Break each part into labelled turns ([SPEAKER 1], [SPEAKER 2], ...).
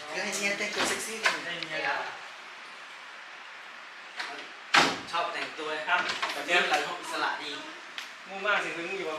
[SPEAKER 1] ก็ให้เมียแต่งตัวเซ็กซี่กันให้เมียด่าชอบแต่งตัวครับแบบนี้เราชอบอิสระดีมุ่งมากสิคือมุ่งอยู่ป่ะ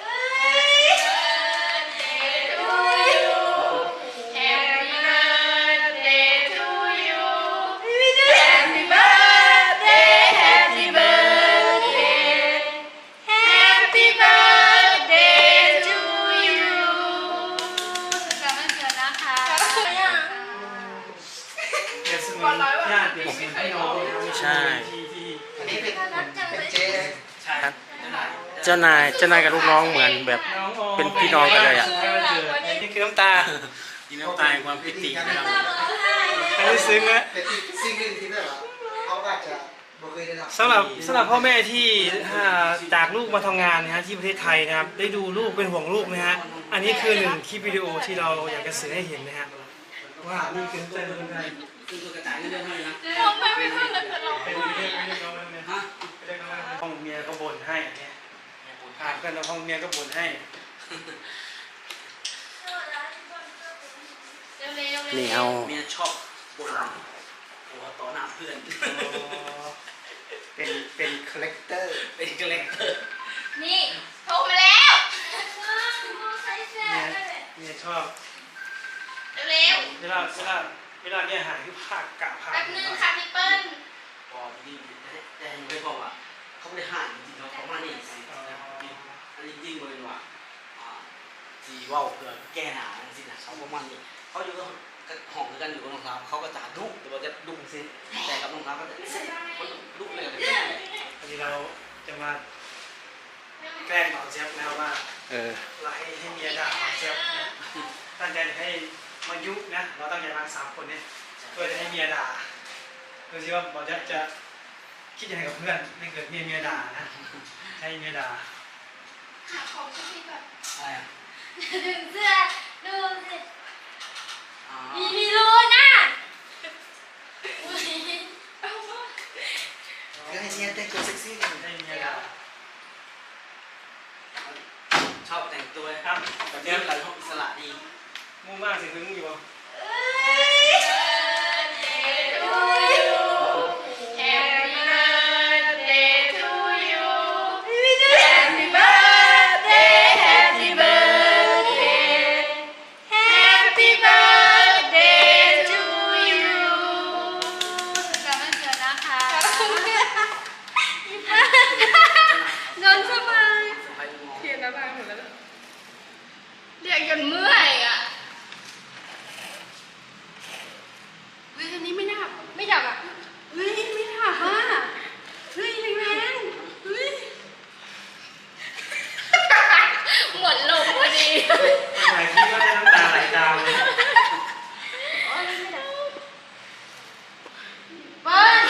[SPEAKER 2] ใช่
[SPEAKER 1] อันนี้เป็นเจ๊
[SPEAKER 2] ครับเจ้านายกับลูกน้องเหมือนแบบเป็นพี่น้องกันเลยอ่ะ
[SPEAKER 1] นี่คือน้ำตา
[SPEAKER 2] นี่น้ำตาความปิตินะครับ
[SPEAKER 1] อันนี้ซึ้งนะ
[SPEAKER 3] สิ่งหนึ่งที่แบบเขาอาจจะบ่เคยได้รับ
[SPEAKER 1] สำหรับพ่อแม่ที่จากลูกมาทำงานนะฮะที่ประเทศไทยนะครับได้ดูลูกเป็นห่วงลูกนะฮะอันนี้คือหนึ่งคลิปวิดีโอที่เราอยากจะสื่อให้เห็นนะฮะว่านี่คือใจคนไทย
[SPEAKER 4] คือกระจายเรื่องให้นะ
[SPEAKER 1] เป็นห้องเมียก็บ่นให้เนี่ยผ่านกันแล้วห้องเมียก็บ่นให้
[SPEAKER 2] นี่เอา
[SPEAKER 4] เมียชอบบ่นหัวต่อหน้าเพื่อน
[SPEAKER 3] เป็นคาแรคเตอร์
[SPEAKER 5] นี่โทรมาแล้ว
[SPEAKER 1] เมียชอบ
[SPEAKER 5] เร็ว
[SPEAKER 1] เวลาเนี่ยหายที่ภาคกะภาค
[SPEAKER 5] แป๊บนึงค่ะพี่เปิ้ล
[SPEAKER 4] พอที่แต่ไม่พออ่ะเขาไม่ได้ห่างจริงๆเขามานี่สิอันนี้จริงเลยว่าจีว่าเพื่อแก้หนาสินะเขาประมาณนี้เขาอยู่ก็ห้องกันอยู่กับน้องสาวเขาก็จะดุแต่ว่าจะดุสิแต่กับน้องสาวก็จะดุเลย
[SPEAKER 1] อันนี้เราจะมาแกล้งต่อเจ็บแล้วว่าเราให้เมียด่าต่อเจ็บตั้งใจให้มายุนะเราตั้งใจมา3 คนเนี่ยเพื่อจะให้เมียด่าดูสิว่าบอลจะคิดยังไงกับเพื่อนไม่เกิดเมียด่านะให้เมียด่า
[SPEAKER 5] หาของชุดนี้แบบ
[SPEAKER 4] อะไรอ่ะ
[SPEAKER 5] ดึงเสื้อดูสิมีรูนะ
[SPEAKER 1] ก็ให้เมียแต่งตัวเซ็กซี่กันให้เมียด่า
[SPEAKER 4] ชอบแต่งตัวครับแบบนี้เราชอบอิสระดี
[SPEAKER 1] มุ่งมากสิคือมุ่งอยู่ป่ะ
[SPEAKER 5] เรียกจนเมื่อยอ่ะเฮ้ยอันนี้ไม่ดับอ่ะเฮ้ยไม่ดับอ่ะเฮ้ยแรงเฮ้ยหมดลมพอดี
[SPEAKER 1] ไหนพี่ก็ได้น้ำตาไหลตามเลย
[SPEAKER 5] เปิ้ล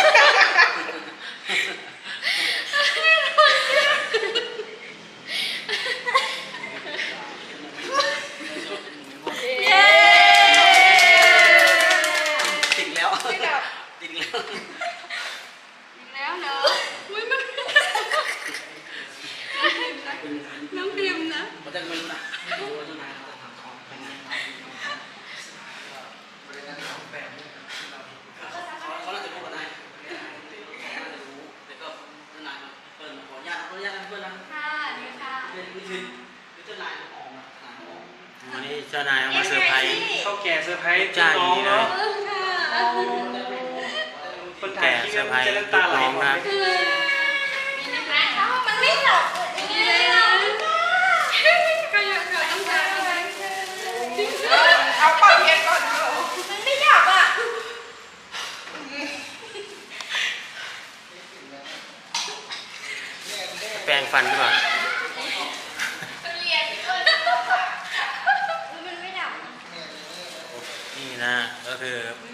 [SPEAKER 5] น้องพิมนะ
[SPEAKER 4] มันจะไม่รู้นะดูว่าเจ้านายเขาจะทำของเป็นไงเขาน่าจะรู้กันได้น่าจะรู้แต่ก็เจ้านายมาเปิดมาขออนุญาตเพื่อนนะ
[SPEAKER 5] ค่ะดีค่ะ
[SPEAKER 4] นี่คือเจ้านายออกมา
[SPEAKER 2] วันนี้เจ้านายเอามาเซอร์ไพรส์
[SPEAKER 1] เขาแก่เซอร์ไพรส์น้องเนาะคนถ่ายคลิปมันจะน้ำตาไหลหมดเลย
[SPEAKER 5] มันไม่หลบนี่เลยนะก็อยากต้องการเอาปากเย็นก่อนมันไม่หยับอ่ะ
[SPEAKER 2] แปรงฟันดีกว่า
[SPEAKER 5] มันไม่หยับ
[SPEAKER 2] นี่นะก็คือ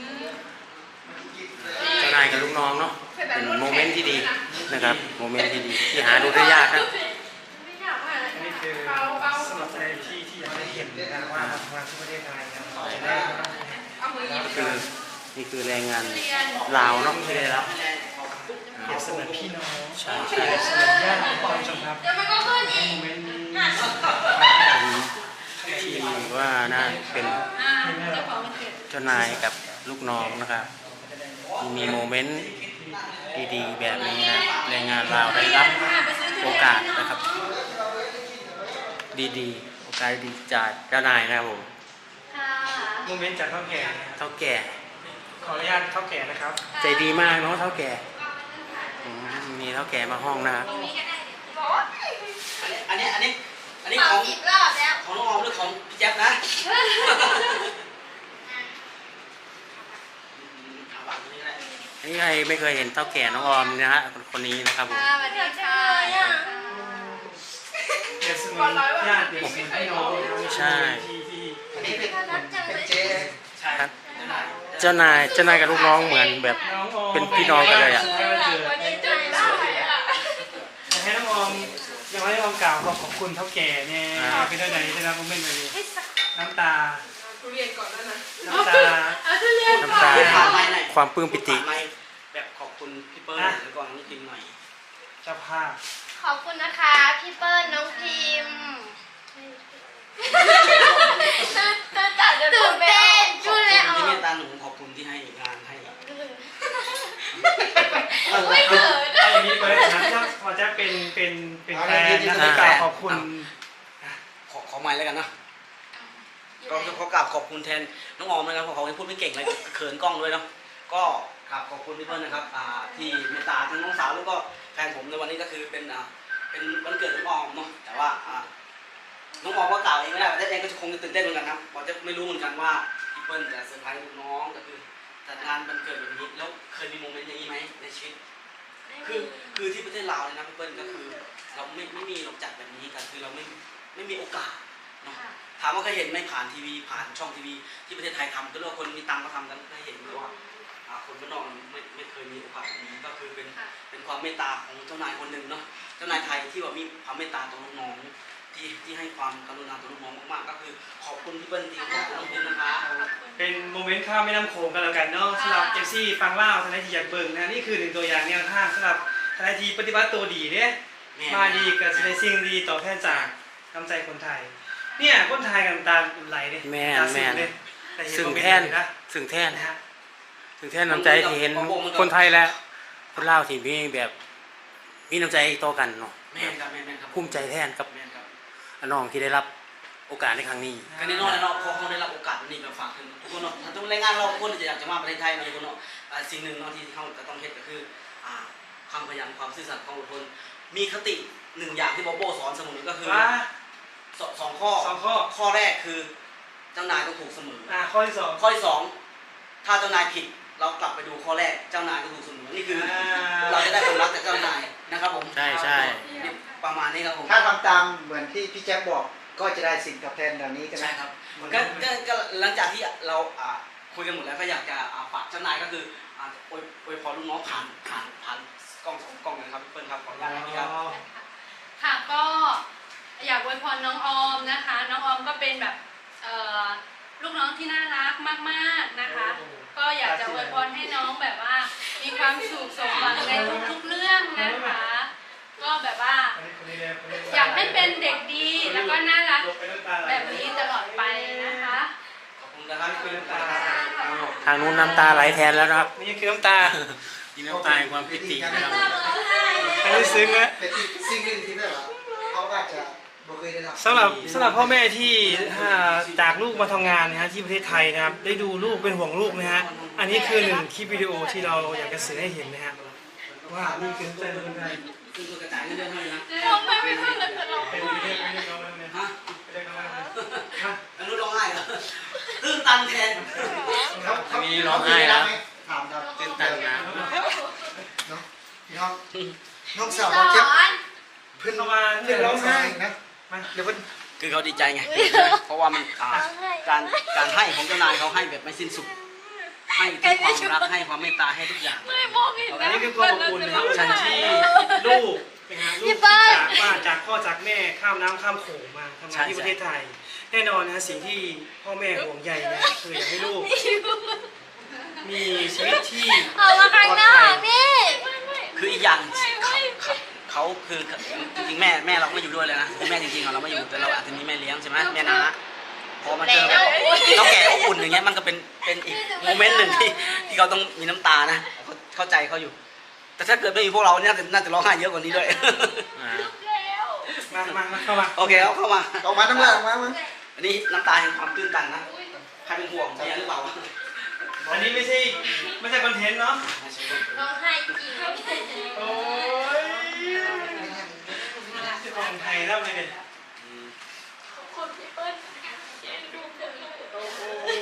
[SPEAKER 2] เจ้านายกับลูกน้องเนาะเป็นโมเมนต์ที่ดีนะครับโมเมนต์ที่ดีที่หาดูได้ยากครับ
[SPEAKER 1] นี่คือสำหรับในที่อยากได้เห็นนะว่าทำงานที่ประเทศไทยนะ
[SPEAKER 2] ก็คือนี่คือแรงงานลาวเนาะที่ได้รับ
[SPEAKER 1] เปรียบเสมือนพี่น้อง
[SPEAKER 2] ใช่
[SPEAKER 1] เสมือนญาติท่านผู้ชมครับโมเมนต์นี้
[SPEAKER 2] ที่ว่าน่าเป็นจ้านายกับลูกน้องนะครับมีโมเมนต์ดีๆแบบนี้นะแรงงานเราวได้รับโอกาสนะครับดีๆโอกาสดีจากเจ้านายนะครับผม
[SPEAKER 5] ค่ะ
[SPEAKER 1] โมเมนต์จากเท่าแก่
[SPEAKER 2] เท่าแก่
[SPEAKER 1] ขออนุญาตเท่าแก่นะครับ
[SPEAKER 2] ใจดีมากเนาะเท่าแก่มีเท่าแก่มาห้องนะครับ
[SPEAKER 4] อันนี้
[SPEAKER 5] ข
[SPEAKER 4] ข
[SPEAKER 5] อ
[SPEAKER 4] อง
[SPEAKER 5] 10 รอบแล้ว
[SPEAKER 4] ของน้องออมหรือของพี่แจ๊บนะเอาวางตรงนี้ก็ได้
[SPEAKER 2] นี่ใครไม่เคยเห็นเท่าแก่น้องออมนะฮะคนนี้นะครับผม
[SPEAKER 5] ค่ะสวัสดีค่ะ
[SPEAKER 1] เปรียบเสมือนญาติเปรียบเสมือนพี่น้องนะครับ
[SPEAKER 2] ใช่
[SPEAKER 1] ที่
[SPEAKER 3] อันนี้เป็นเจ๊
[SPEAKER 4] ใช่
[SPEAKER 2] ครับเจ้านายกับลูกน้องเหมือนแบบ
[SPEAKER 1] น้องออม
[SPEAKER 2] เป็นพี่น้องกันเลยอะ
[SPEAKER 5] วันนี้ใจได้อะ
[SPEAKER 1] อยากให้น้องออมอยากให้น้องออมกล่าวขอบคุณเท่าแก่เนี่ยเป็นได้ไหนได้รับโมเมนต์แบบนี้น้ำตา
[SPEAKER 5] ทุเรียนก่อนแล้วนะ
[SPEAKER 1] น้ำตา
[SPEAKER 5] เอาทุเรียนก่อน
[SPEAKER 2] น้ำตา
[SPEAKER 4] ผ่านไม้หน่อย
[SPEAKER 2] ความปลื้มปิติ
[SPEAKER 4] ผ่านไม้แบบขอบคุณพี่เปิ้ลหรือก่อนนี่พิมพ์หน่อย
[SPEAKER 1] เจ้าภาพ
[SPEAKER 5] ขอบคุณนะคะพี่เปิ้ลน้องพิมพ์ตื่นเต้น
[SPEAKER 4] ข
[SPEAKER 5] พู
[SPEAKER 4] อบ
[SPEAKER 5] ด
[SPEAKER 4] คุ
[SPEAKER 5] เลย
[SPEAKER 4] ณ
[SPEAKER 5] ออ
[SPEAKER 4] ที่เม
[SPEAKER 5] ก
[SPEAKER 4] ตตาหนูขอบคุณที่ให้งานให้
[SPEAKER 5] ไม่เขิน
[SPEAKER 1] เอาอย่างนี้ไปเลยนะถ้าพอจะเป็นแฟนนะกล่าวขอบคุณ
[SPEAKER 4] ขอไม้แล้วกันนะก็ขอกราบขอบคุณแทนน้องออมนะครับเพราะเขาพูดไม่เก่งเลยเขินกล้องด้วยเนาะก็กราบขอบคุณพี่เปิ้ลนะครับที่เมตตาทั้งน้องสาวแล้วก็แฟนผมในวันนี้ก็คือเป็นวันเกิดน้องออมเนาะแต่ว่าน้องออมก็กล่าวเองไม่ได้แต่เองก็จะคงจะตื่นเต้นเหมือนกันครับผมจะไม่รู้เหมือนกันว่าพี่เปิ้ลจะเซอร์ไพรส์ลูกน้องก็คือจัดงานวันเกิดแบบนี้แล้วเคยมีโมเมนต์อย่างนี้ไหมในชีวิตคือที่ประเทศลาวเนี่ยนะพี่เปิ้ลก็คือเราไม่มีหรอกจัดแบบนี้กันคือเราไม่มีโอกาสเนาะถามว่าเคยเห็นไหมผ่านทีวีผ่านช่องทีวีที่ประเทศไทยทำก็เรียกว่าคนมีตังค์ก็ทำกันเคยเห็นหรือว่าคนบ้านนอกไม่เคยมีโอกาสแบบนี้ก็คือเป็นความเมตตาของเจ้านายคนหนึ่งเนาะเจ้านายไทยที่ว่ามีความเมตตาต่อน้องๆที่ให้ความกรุณาต่อน้องๆมากๆก็คือขอบคุณพี่เปิ้ลที่ขอบคุณน้องพิมนะคะ
[SPEAKER 1] เป็นโมเมนต์ข้ามแม่น้ำโขงกันแล้วกันเนาะสำหรับเอฟซีฟังเล่าทนายทีอยากเบิ่งนะนี่คือหนึ่งตัวอย่างแนวทางสำหรับทนายทีปฏิบัติตัวดีเนี่ยมาดีกับในสิ่งดีต่อแทนจากน้ำใจคนไทยเนี่ยคนไทยกันตาไหลเนี่ย
[SPEAKER 2] แม่
[SPEAKER 1] ตา
[SPEAKER 2] แม่
[SPEAKER 1] เลยแต่เห็น
[SPEAKER 2] ซึ่ง
[SPEAKER 1] โมเมน
[SPEAKER 2] แท่น
[SPEAKER 1] ต์นะ
[SPEAKER 2] ซึ่งแท่น
[SPEAKER 1] นะฮะ
[SPEAKER 2] ซึ่งแท่นน้ำใจที่เห็นคนไทยและคนลาวที่มีแบบมีน้ำใจต่อกันเนาะ
[SPEAKER 4] แม่นครับแม่นครับ
[SPEAKER 2] ภูมิใจแท่นกับ
[SPEAKER 4] แม่นครับ
[SPEAKER 2] น้องที่ได้รับโอกาสในครั้งนี้
[SPEAKER 4] การแน่นอนเลยเนาะพอเขาได้รับโอกาสนี้ก็ฝากถึงทุกคนเนาะทุกแรงงานเราทุกคนจะอยากจะมาประเทศไทยเนาะทุกคนเนาะสิ่งหนึ่งเนาะที่เขาจะต้องเฮ็ดก็คือความพยายามความซื่อสัตย์ความอดทนมีคติหนึ่งอย่างที่บอโบสอนเสมอก็คือ
[SPEAKER 1] ว่า
[SPEAKER 4] สองข้อ
[SPEAKER 1] สองข้อ
[SPEAKER 4] ข้อแรกคือเจ้านายต้องถูกเสมอ
[SPEAKER 1] ข้อที่สอง
[SPEAKER 4] ข้อที่สองถ้าเจ้านายผิดเรากลับไปดูข้อแรกเจ้านายก็ถูกเสมอนี่คือเราจะได้ความรักจากเจ้านายนะครับผม
[SPEAKER 2] ใช่ใช่
[SPEAKER 4] ประมาณนี้ครับผม
[SPEAKER 3] ถ้าทำตามเหมือนที่พี่แจ๊บบอกก็จะได้สิ่งตอบแทนเหล่านี้ใช่ไหม
[SPEAKER 4] ใช่ครับก็หลังจากที่เราคุยกันหมดแล้วก็อยากจะฝากเจ้านายก็คืออวยพรลูกน้องผ่านกล้องสองกล้องนะครับพี่เปิ้ลครับขออนุญาตนะครับ
[SPEAKER 5] ค่ะก็อยากอวยพรน้องออมนะคะ น้องออมก็เป็นแบบลูกน้องที่น่ารักมากๆนะคะ ก็อยากจะอวยพรให้น้องแบบว่ามีความสุขสมหวังในทุกๆเรื่องนะคะ ก็แบบว่าอยากให้เป็นเด็กดีแล้วก็น่ารักแบบนี้ตลอดไปนะคะ
[SPEAKER 4] ขอบคุณนะครับพี่เปิ้ลครับ
[SPEAKER 2] ทางนู้นน้ำตาไหลแทนแล้วนะครับ
[SPEAKER 1] นี่คือน้ำตา
[SPEAKER 2] มีน้ำตาแห่งความปิตินะครับ
[SPEAKER 1] อันนี้ซึ้งนะ
[SPEAKER 3] เป็นอีกสิ่งหนึ่งที่แบบว่าเขาอาจจะบ่เคยได้รับ
[SPEAKER 1] สำหรับพ่อแม่ที่จากลูกมาทำงานนะฮะที่ประเทศไทยนะครับได้ดูลูกเป็นห่วงลูกนะฮะอันนี้คือหนึ่งคลิปวิดีโอที่เราอยากจะสื่อให้เห็นนะฮะว่านี่คือใจคนไทย
[SPEAKER 4] คือกระจายเงินเดือนเท่าไหร่นะ
[SPEAKER 5] น้องไม่เท่ากันแต่น้อง
[SPEAKER 1] เป็นเรื่องไม่ได้เราเลย
[SPEAKER 4] ฮะ
[SPEAKER 1] ไม่ได้เราเลยฮะ
[SPEAKER 4] อนุร้องไห้เหรอตื้นตันแทน
[SPEAKER 2] มีร้องไห้แล้ว
[SPEAKER 3] ถามครับ
[SPEAKER 2] ตื่นตันนะ
[SPEAKER 3] น้องน้องสาว
[SPEAKER 5] สอ
[SPEAKER 3] เจ็บ
[SPEAKER 5] น
[SPEAKER 3] เพื่อน
[SPEAKER 1] เข้ามาเรื่องร้องไห้
[SPEAKER 3] นะมาเดี๋ยวเพิ่น
[SPEAKER 4] คือเขาดีใจไงเพราะว่ามันการให้ของเจ้านายเขาให้แบบไม่สิ้นสุดให้ทั้งความรักให้ความเมตตาให้ทุกอย่าง
[SPEAKER 5] ไม่มองเห็น
[SPEAKER 1] อันนี้คือความอบอุ่นนะครับ
[SPEAKER 4] ใช่
[SPEAKER 1] ที่ลูกนะฮะลูกจากพ่อจากแม่ข้ามน้ำข้ามโขงมาทำงานที่ประเทศไทย แน่นอนนะสิ่งที่พ่อแม่ห่วงใยนะคืออยากให้ลูกมีชีวิตที่
[SPEAKER 5] เอามาข้างนอกนี่
[SPEAKER 4] คืออีกอย่างเขาคือจริงๆแม่เราไม่อยู่ด้วยเลยนะคือแม่จริงๆเราไม่อยู่แต่เราอาจจะมีแม่เลี้ยงใช่ไหมแม่น้าพอมาเจอแบบเราแก่อบอุ่นอย่างเงี้ยมันก็เป็นเป็นอีกโมเมนต์หนึ่งที่เขาต้องมีน้ำตานะเข้าใจเขาอยู่ แต่ถ้าเกิดไม่มีพวกเราเนี่ยน่าจะร้องไห้เยอะกว่านี้ด้วย
[SPEAKER 1] มาเข้ามา
[SPEAKER 4] โอเคเอาเข้ามา
[SPEAKER 3] ออกมาทั้งเมืองมา
[SPEAKER 4] อันนี้น้ำตาแห่งความตื้นตันนะใครเป็นห่วงเมียหรือเปล่า
[SPEAKER 1] อันนี้ไม่ใช่คอนเทนต์เนาะ
[SPEAKER 5] ร้องไห้จริง
[SPEAKER 1] โอ้ยของไทยแล้วเลยเนี่ย
[SPEAKER 5] คนพี่เปิ้ลเอ็นดูเธอ
[SPEAKER 1] โอ้โห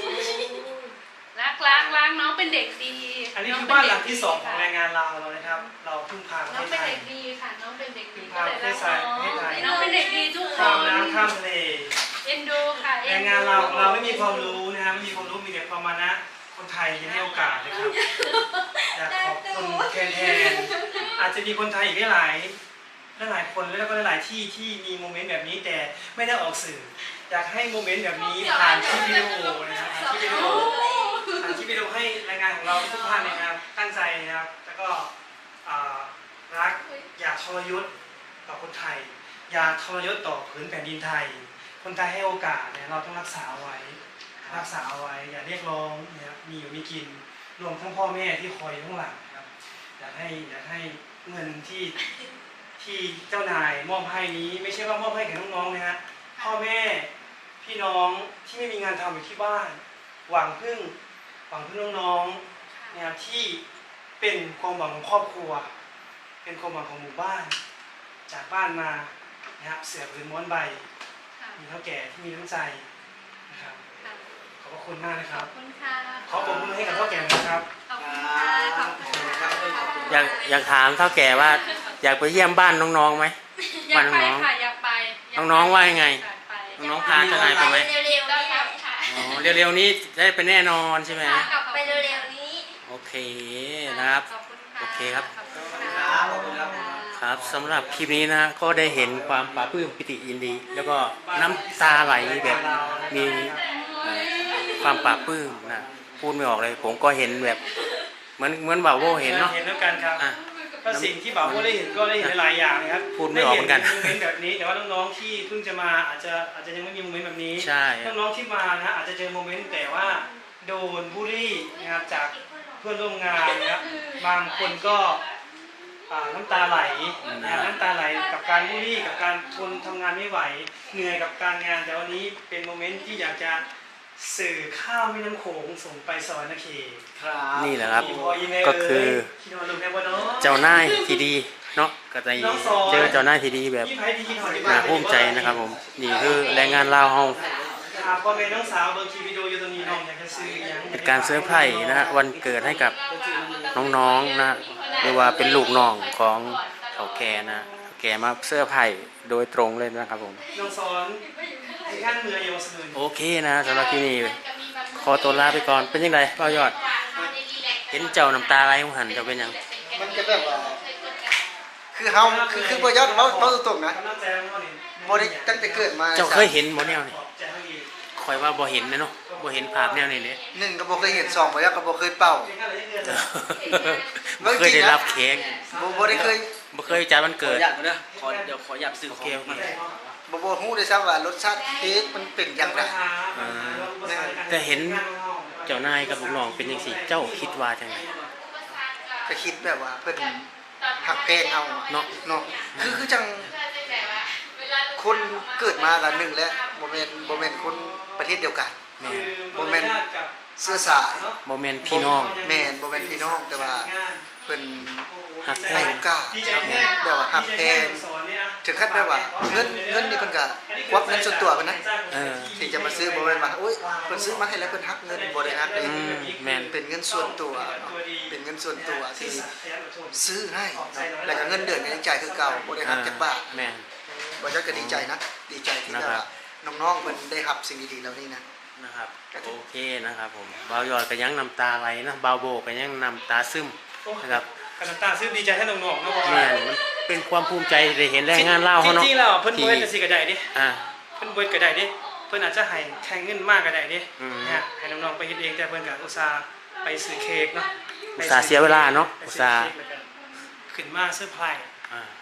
[SPEAKER 5] รักน้องเป็นเด็กดี
[SPEAKER 1] อันนี้คือบ้านหลังที่2ของแรงงานเราเลยนะครับ เราเพิ่งพาประ
[SPEAKER 5] น้
[SPEAKER 1] เท
[SPEAKER 5] อง
[SPEAKER 1] ศ
[SPEAKER 5] เป็น
[SPEAKER 1] ไทย
[SPEAKER 5] เด็กดีค่ะน้องเป็นเด็กดี
[SPEAKER 1] พาประเทศไทย
[SPEAKER 5] น้องเป็นเด็กดีทุกค
[SPEAKER 1] ข้าม
[SPEAKER 5] น
[SPEAKER 1] น้ำข้ามทะเล
[SPEAKER 5] เอ็นดูค่ะ
[SPEAKER 1] แรงงานเราไม่มีความรู้นะฮะไม่มีความรู้มีแต่ความมานะคนไทยที่ให้โอกาสนะครับอยากขอบคุณแทนอาจจะมีคนไทยอีกหลายคนแล้วก็หลายที่ที่มีโมเมนต์แบบนี้แต่ไม่ได้ออกสื่ออยากให้โมเมนต์แบบนี้ผ่านที่วิดีโอนะครับผ่านที่วิดีโอให้รายงานของเราทุกท่านนะครับตั้งใจนะครับแล้วก็รักอย่าทรยศต่อคนไทยอย่าทรยศต่อผืนแผ่นดินไทยคนไทยให้โอกาสเนี่ยเราต้องรักษาไว้อย่าเรียกร้องนะครับมีอยู่มีกินรวมทั้งพ่อแม่ที่คอยอยู่ข้างหลังนะครับอยากให้เงินที่เจ้านายมอบให้นี้ไม่ใช่ว่ามอบให้แก่น้องๆนะฮะพ่อแม่พี่น้องที่ไม่มีงานทำอยู่ที่บ้านหวังพึ่งน้องๆนะครับที่เป็นความหวังของครอบครัวเป็นความหวังของหมู่บ้านจากบ้านมานะครับเสือผืนม้วนใบมีเท่าแก่ที่มีน้ำใจนะครับขอบพระคุณมากนะครับ
[SPEAKER 5] ขอบคุณค่ะ
[SPEAKER 1] ขอปรบมือให้กับเท่าแก่นะครับ
[SPEAKER 5] ขอบคุณค่ะขอบคุณค่ะ
[SPEAKER 2] อยากถามเท่าแก่ว่าอยากไปเยี่ยมบ้านน้องๆไหม
[SPEAKER 5] อยากไปค่ะอยากไป
[SPEAKER 2] น้องๆว่ายังไง
[SPEAKER 5] อยากไป
[SPEAKER 2] น้องๆพาเจ้านายไปไหม
[SPEAKER 5] เร็วๆได้ครับค่ะ
[SPEAKER 2] อ๋อเร็วๆนี้ได้ไปแน่นอนใช่ไหม
[SPEAKER 5] กลับไปเร็วๆนี้
[SPEAKER 2] โอเคนะครับ
[SPEAKER 5] ขอบคุณค่ะ
[SPEAKER 2] โอเคครับ
[SPEAKER 5] ขอบคุณ
[SPEAKER 4] ค
[SPEAKER 5] ค่ะ
[SPEAKER 4] รับขอบคุณครับ
[SPEAKER 2] ครับสำหรับคลิปนี้นะก็ได้เห็นความปลาปลื้มปิติยินดี แล้วก็น้ำตาไหลแบบมีความปลาปลื้มนะพูดไม่ออกเลยผมก็เห็นแบบเหมือนบ่าวโวเห็นเนาะ
[SPEAKER 1] เห็นแล้วกันครับ
[SPEAKER 2] อ่ะ
[SPEAKER 1] ก็สิ่งที่บ่าวโวได้เห็นก็ได้เห็นหลายอย่างนะครับ
[SPEAKER 2] พูดไม่ออกเหมือนกัน
[SPEAKER 1] ได้เห็นโมเมนต์แบบนี้แต่ว่าน้องๆที่เพิ่งจะมาอาจจะยังไม่มีโมเมนต์แบบนี้
[SPEAKER 2] ใช่
[SPEAKER 1] น้องๆที่มานะอาจจะเจอโมเมนต์แต่ว่าโดนบูลลี่นะครับจากเพื่อนร่วมงานนะครับบางคนก็น้ำตาไหลนะครับน้ำตาไหลกับการบูลลี่กับการทนทำงานไม่ไหวเหนื่อยกับการงานแต่วันนี้เป็นโมเมนต์ที่อยากจะสื่อข้าวแม่น้ำโขงส่งไปสวรรค์เขต
[SPEAKER 4] ครับ
[SPEAKER 2] นี่แหละครับ
[SPEAKER 1] อีพออีเมล
[SPEAKER 2] ก็คือ
[SPEAKER 1] คิดว่าลูกแม่ว่าเนาะ
[SPEAKER 2] เจ้านายที่ดีเนาะก็จะเจอเจ้านายที่ดีแบบ
[SPEAKER 1] พี่ไผ่ที่คิดหอย
[SPEAKER 2] น่าภูมิใจนะครับผมนี่คือแรงงานลาวเฮา
[SPEAKER 1] พ่อแม่น้องสาวเบอร์คีวิดีโออยู่ตรงนี้น้องอยากจะซื้อยัง
[SPEAKER 2] เป็นการเซอร์ไพรส์นะฮะวันเกิดให้กับน้องๆนะหรือว่าเป็นลูกน้องของเขาแก่นะเขาแก่มาเซอร์ไพรส์โดยตรงเลยนะครับผม
[SPEAKER 1] น้องสอนที่ขั้นเมือเยาวชน
[SPEAKER 2] โอเคนะสำหรับที่นี่ขอตัวลาไปก่อนเป็นยังไงเป้ายอด เห็นเจ้าน้ำตาไหลของหันเจะเป็นยัง
[SPEAKER 3] มันก็แบบว่าคือเฮาคือบ่ยอดเว้าตรงๆนะ
[SPEAKER 1] กำลังใจน้องนี่
[SPEAKER 3] บ่ได้ตั้งแต่เกิดมา
[SPEAKER 2] เจ้าเคยเห็นบ่แนวนี่
[SPEAKER 1] ขอบใจให้ดี
[SPEAKER 2] คอยว่าบ่เห็นนะเนาะบ่เห็นภาพแนวนี้เลย
[SPEAKER 3] หนึ่งก็บ่เคยเห็นสองบ่ยอดก็บ่เคยเป่า
[SPEAKER 1] เก่งกันเลยเกิน
[SPEAKER 2] บ่เคยได้รับเค้ก
[SPEAKER 3] บ่ได้เคย
[SPEAKER 2] บ่เคยจัดวัน
[SPEAKER 4] ขอ
[SPEAKER 2] เกิ
[SPEAKER 4] อ
[SPEAKER 2] ด
[SPEAKER 4] นุญาตก่อนเด้อเดี๋ยวขออนุญาตซื้อของ
[SPEAKER 2] โอเค
[SPEAKER 4] มา
[SPEAKER 3] บ่ฮู้ด้วยซ้ำว่ารสชาติเค้กมันเป็นอย่างไร
[SPEAKER 2] แต่เห็นเจ้านายกับลูกน้องเป็นจังซี่เจ้าคิดว่าจังได
[SPEAKER 3] ก็คิดแบบว่าเพิ่นหักแพงเฮา
[SPEAKER 2] เนาะ
[SPEAKER 3] เนาะคือจังคนเกิดมากันหนึ่งแล้วบ่แม่นคนประเทศเดียวกัน
[SPEAKER 2] แม่น
[SPEAKER 3] บ่แม่นเสื้อสาย
[SPEAKER 2] บ่แม่นพี่น้อง
[SPEAKER 3] แม่นบ่แม่นพี่น้องแต่ว่าเพิ่น
[SPEAKER 2] หักแพ
[SPEAKER 3] ให้
[SPEAKER 2] ง
[SPEAKER 3] โอกาสแบบว่าหักแพงถึงขั้นแบบว่าเงินนี่เพิ่นก็ควักเงินส่วนตัวเพิ่นนะ
[SPEAKER 2] เออ
[SPEAKER 3] ที่จะมาซื้อบ่แม่นว่าโอ๊ยเพิ่นซื้อมาให้แล้วเพิ่นหักเงินบ่ได้หักเลย
[SPEAKER 2] แม่น
[SPEAKER 3] เป็นเงินส่วนตัวเนาะเป็นเงินส่วนตัวที่ซื้อให้เนาะแล้วก็เงินเดือนก็ยังจ่ายคือเก่าบ่ได้หักจักบาท
[SPEAKER 2] แม่น
[SPEAKER 3] บ่จักก็ดีใจนะดีใจที่แบบว่าน้องๆเพิ่นได้รับสิ่งดีๆเหล่านี้นะ
[SPEAKER 2] นะครับโอเคนะครับผมบ่าวยอดก็ยังน้ำตาไหลนะบ่าวโบก็ยังน้ำตาซึมนะครับ
[SPEAKER 1] กันตาซื้อดีใจให้น้องๆนะบอก
[SPEAKER 2] แม่
[SPEAKER 1] ว่าน
[SPEAKER 2] มันเป็นความภูมิใจได้เห็นแรงงานลาว
[SPEAKER 1] จ
[SPEAKER 2] เขาเนาะ
[SPEAKER 1] ริงๆแล้วเพิ่นเบิดจะสิกระไดดิ
[SPEAKER 2] อ่า
[SPEAKER 1] เพิ่นเบิดกระไดดิเพิ่นอาจจะให้แทงเงินมากกระไดดิ
[SPEAKER 2] อืม
[SPEAKER 1] เนี่ยให้น้องๆไปเฮ็ดเองแต่เพิ่นก็อุตส่าห์ไปซื้อเค้กเนาะ
[SPEAKER 2] อุตส่าห์เสียเวลาเนาะ
[SPEAKER 1] ไป
[SPEAKER 2] อุต
[SPEAKER 1] ซื้อ
[SPEAKER 2] ส่าห์
[SPEAKER 1] เค้กแล้วก็ขึ้นมาเซอร์ไพรส์
[SPEAKER 2] อ่า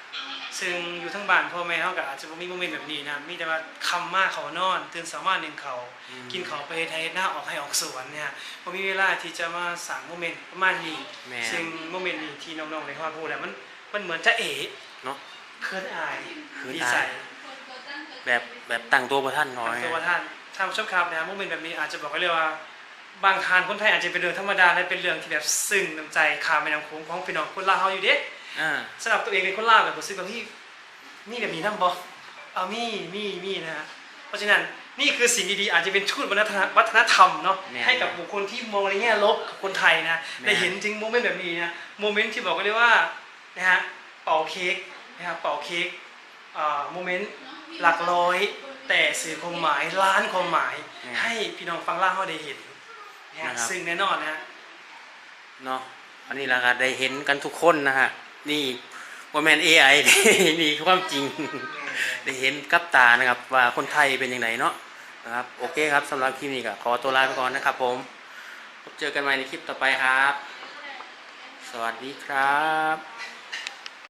[SPEAKER 1] ซึ่งอยู่ทั้งบ้านพ่อแม่เขาก็อาจจะบ่มีโมเมนต์แบบนี้นะมีแต่ว่าคำมาเขานอนตื่นสามารถหนึ่งเขากินเขาไปไทยหน้าออกให้ออกสวนเนี่ยพอมีเวลาที่จะมาสั่งโมเมนต์ประมาณนี้ซึ่งโมเมนต์นี้ที่น้องๆในครอบครัวแหละมันเหมือนจะ
[SPEAKER 2] เนาะ
[SPEAKER 1] เขินอาย
[SPEAKER 2] คือ
[SPEAKER 1] ดีใจ
[SPEAKER 2] แบบตั้งตัวประท่านน้อย
[SPEAKER 1] ตัวท่านท่านผู้ชมครับนะโมเมนต์แบบนี้อาจจะบอกไว้เลยว่าบางทานคนไทยอาจจะเป็นเรื่องธรรมดาและเป็นเรื่องที่แบบซึ้งน้ำใจข้ามแม่น้ำโขงของพี่น้องคนลาวเฮาอยู่เด้สำหรับตัวเองเป็นคนลาวแบบรู้สึกว่าพี่มีแบบนี้นำบ่เอามีนะฮะเพราะฉะนั้นนี่คือสิ่งดีๆอาจจะเป็นทูตวัฒนธรรมเนาะให้กับบุคคลที่มองในแง่ลบกับคนไทยนะได้เห็นถึงโมเมนต์แบบนี้นะโมเมนต์ที่บอกไว้เลยว่านะฮะเป่าเค้กนะครับเป่าเค้กโมเมนต์หลักร้อยแต่สื่อความหมายล้านความหมายให้พี่น้องฟังล่างเขาได้เห็นนะซึ่งแน่นอนนะ
[SPEAKER 2] เนาะอันนี้เราก็ได้เห็นกันทุกคนนะฮะนี่ว่าแมน AI นี่ความจริงได้เห็นกับตานะครับว่าคนไทยเป็นยังไงเนาะนะครับโอเคครับสำหรับคลิปนี้ก็ขอตัวลาไปก่อนนะครับผมพบเจอกันใหม่ในคลิปต่อไปครับสวัสดีครับ